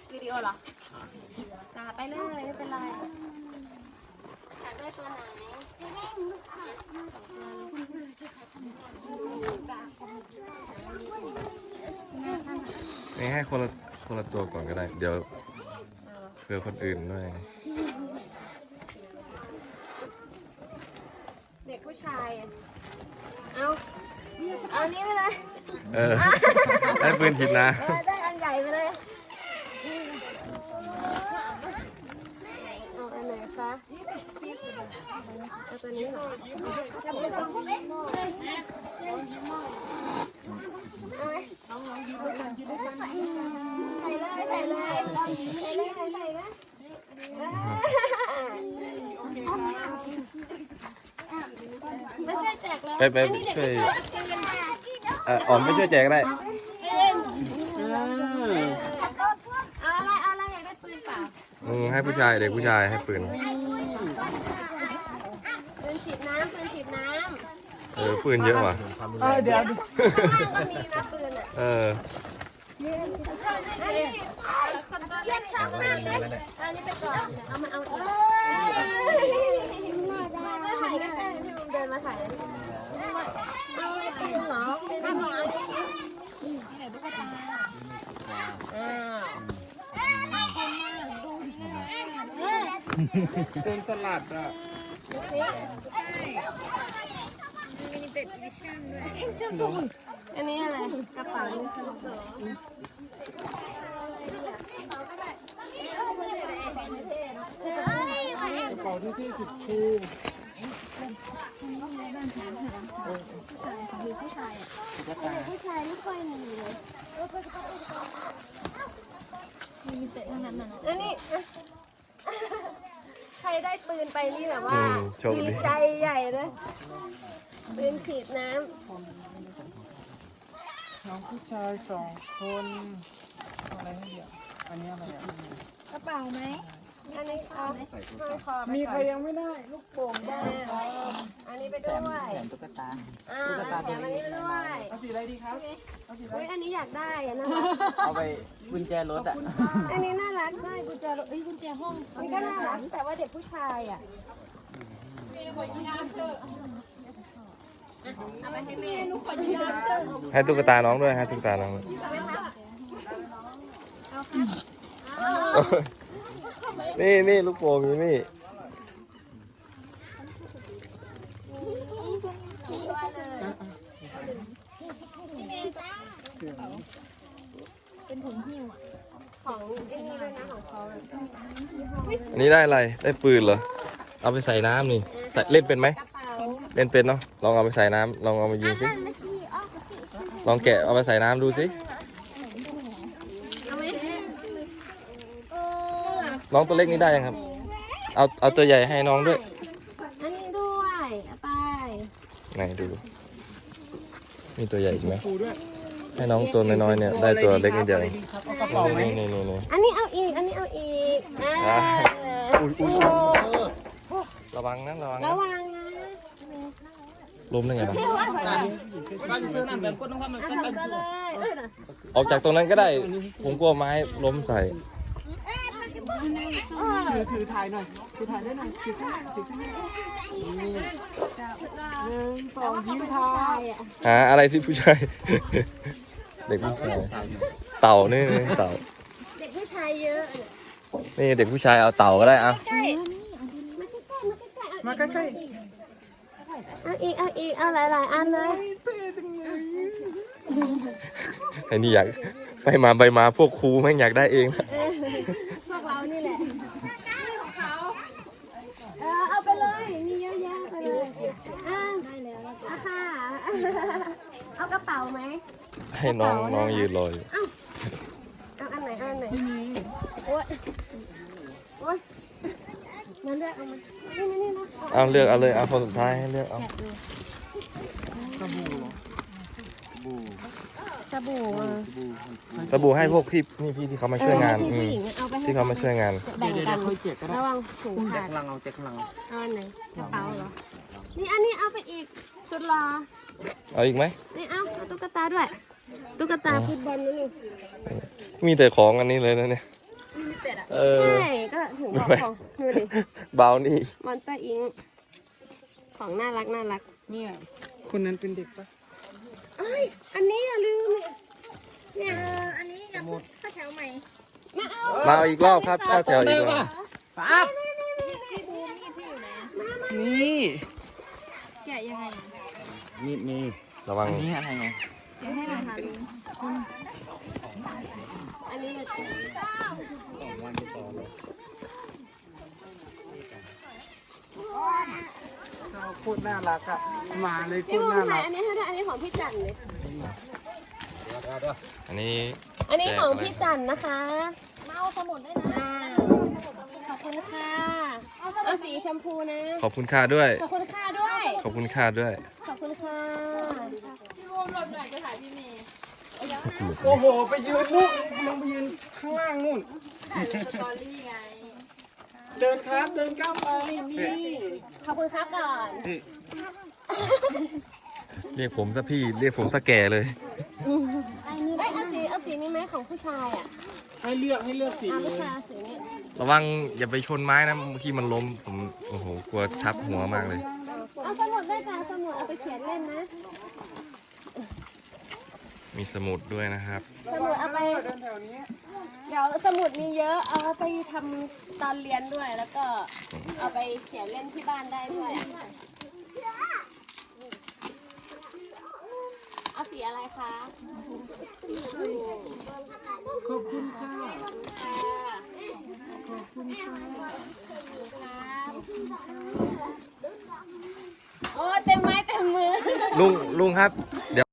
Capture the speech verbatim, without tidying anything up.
วิดีโอเหรอจ่าไปเลยไม่เป็นไรอยากได้ตัวไหนนี่ให้คนละคนละตัวก่อนก็ได้เดี๋ยวเผื่อคนอื่นด้วยเด็กผู้ชายเอาเอานี้ไปเลยเออได้ปืนฉีดน้เออได้อันใหญ่ไปเลยเอาอันไหนคะเอาตัวนี้เหรอเอาไปลองเอาไหมใส่เลยใส่เลยใส่เลยใส่เลยไม่ใช่แจกแล้วำไปไปช่วยเอออ๋อมไม่ช่วยแจกก็ได้เอาอะไรเอาอะไรอยากได้ปืนเปล่าอืมให้ผู้ชายเด็กผู้ชายให้ปืนปืนฉีดน้ำปืนฉีดน้ำเออปืนเยอะว่ะเออเดี๋ยวข้างล่างก็มีนะปืนอ่ะเอออันนี้คนตัวเล็กชอบมากเลยอันนี้ไปก่อนเอามาเอาอีกมาถ่ายกันแค่พี่บุ๋มเดินมาถ่ายเอาอะไรปืนเหรอเป็นอะไรอ้าวเป็นสลัดอ่ะอันนี้อะไรกระเป๋าลูกโซ่กระเป๋าที่ที่สิบคูผู้ชายไม่ค่อยมีเลยมีแต่เท่านั้นนะแล้วนี่ใครได้ปืนไปนี่แบบว่าดีใจใหญ่เลยปืนฉีดน้ำน้องผู้ชายสองคนอะไรให้เดี๋ยวอันนี้อะไรอ่ะกระเป๋าไหมอันนี้เอาห้อยคอไปมีก่ใครอนยังไม่ได้ลูกโป่งบ้างอันนี้ไปด้วยตุ๊กตาอ่าแถมอันนี้ไปด้วยเอาสีอะไรดีครับเอาสีอะไรอุ้ยอันนี้อยากได้อะน่ารักเอาไปกุญแจรถอ่ะอันนี้น่ารักใช่กุญแจรถเอ้ยกุญแจห้องนี่ก็น่ารักแต่ว่าเด็กผู้ชายอ่ะเอาไปให้แม่หนูขอยืมเถอะให้ตุ๊กตาน้องด้วยให้ตุ๊กตาน้องด้วยนี่นี่ลูกโป่งอยู่นี่ของไอ้นี่ด้วยนะของเขาอันนี้ได้อะไรได้ปืนเหรอเอาไปใส่น้ำนี่ใส่เล่นเป็นไหมกระเป๋าเล่นเป็นเนาะลองเอาไปใส่น้ำลองเอามายิงสิลองแกะเอาไปใส่น้ำดูสิเอาไหมน้องตัวเล็กนี่ได้ยังครับ เอาเอาตัวใหญ่ให้น้องด้วยอันนี้ด้วยเอาไปไหนดูมีตัวใหญ่อีกไหมคูด้วยให้น้องตัวน้อยๆเนี่ยได้ตัวเล็กนิดเดียวอะไรดีครับเอากระเป๋าไหมนี่นี่นี่นี่อันนี้เอาอีกอันนี้เอาอีกอ่าอุ้ยอุ้ยโอ้ระวังนะระวังระนะวังนะล้มได้ไงบ้างบ้านเสื้อหนังแบบก้นต้องทำแบบเอาสองตัวเลยเอ้ยน่ะออกจากตรงนั้นก็ได้ ผมกลัวไม้ล้มใส่ถือถือถ่ายหน่อยถือถ่ายได้หน่อยถือข้างหน้าถือข้างหน้านี่หนึ่งสองยิ้มทาใช่อ่ะหาอะไรที่ผู้ชาย เด็กผู้ชายเต่านี่นี่เต่าเด็กผู้ชายเยอะนี่เด็กผู้ชายเอาเต่าก็ได้อะใกล้มาใกล้ๆมาใกล้ๆมาใกล้เอาอีกเอาอีกเอาหลายๆอันเลยๆเท่จังเลยไอ้นี่อยากไปมาไปมาพวกครูแม่งอยากได้เองเออพวกเรานี่แหละของเขาเออเอาไปเลยมีเยอะแยะไปเลยอ่าได้แล้วอ่ะค่ะเอากระเป๋าไหมให้น้องน้องยืนรออยู่เอาเอาอันไหนเอาอันไหนโอ๊ยโอ๊ยงั้นเลือกเอามานี่นี่นี่นะเอาเลือกเอาเลยเอาคนสุดท้ายให้เลือกเอาแกะดูสบู่เหรอสบู่อ่ะสบู่ให้พวกพี่นี่พี่ที่เขามาช่วยงานเอออืให้มผู้หญิงเอาไปให้ที่เขามาช่วยงานแบ่งเดี๋ยวกัเดี๋ยนวค่อยเจ็บก็ได้ระวังถุงแจ็ขาคดลังเอาแจ็คลังเอาอันไหนกระเป๋าเหรอ นี่อันนี้เอาไปอีกสุดหรอเอาอีกไหมนี่เอาเอาตุ๊กตาด้วย ตุ๊กตาฟุตบอลนั่นนี่มีแต่ของอันนี้เลยนะเนี่ยเออใช่ก็ถึงบอกของดูดิเบานี่มอนสเตอร์อิงของน่ารักน่ารักเนี่ยคนนั้นเป็นเด็กปะเอ้ยอันนี้อย่าลืมเนี่ยเอออันนี้อยากข้าวแถวใหม่มาเอามาเอาอีกรอบครับเข้าแถวอีกรอบปั๊บพี่บูมนี่พี่อยู่ไหนนี่แกะยังไงมีดมีระวังอันนี้อะไรไงแกะให้หน่อยค่ะลุงอันนี้เลยเขาโคตรน่ารักอ่ะมาเลยโคพี่ตรบูมน่าถ่ารัยกอันนี้ให้ด้วยอันนี้ของพี่จันเลยอันนี้อันนี้ของแจกอะไรพี่จันนะคะมาเอาสมุดด้วยนะอ่าขอบคุณค่ะ เอาสีชมพูนะขอบคุณค่าด้วยขอบคุณค่ะด้วยขอบคุณค่าด้วยขอบคุณค่ะพี่บูมหลบหน่อยจะถ่ายพี่เมย์โอ้โหไปยืนนู่นลงไปยืนข้างล่างนู่นถ่ายสตอรี่ไงเดินครับเดินก้าวไปนี่ขอบคุณครับก่อนเรียกผมซะพี่ เรียกผมซะแก่เลยเอ้ยเอาสีเอาสีนี้ไหมของผู้ชายอ่ะให้เลือกให้เลือกสีเอาเลผู้ยชายเอาสีนี้ระวังอย่าไปชนไม้นะ เมื่อกี้มันล้ม ผม โอ้โห กลัวทับหัวมากเลยเอาสมุดด้วยจ้ะสมุดเอาไปเขียนเล่นนะมีสมุดด้วยนะครับสมุดเอาไปเดินแถวนี้เดี๋ยวสมุดมีเยอะ เอาไปทำตอนเรียนด้วย แล้วก็เอาไปเขียนเล่นที่บ้านได้ด้วยอะเอาสีอะไรคะขอบคุณค่ะค่ะขอบคุณค่ะโอ้เต็มไม้เต็มมือลุง ลุงครับ เดี๋ยว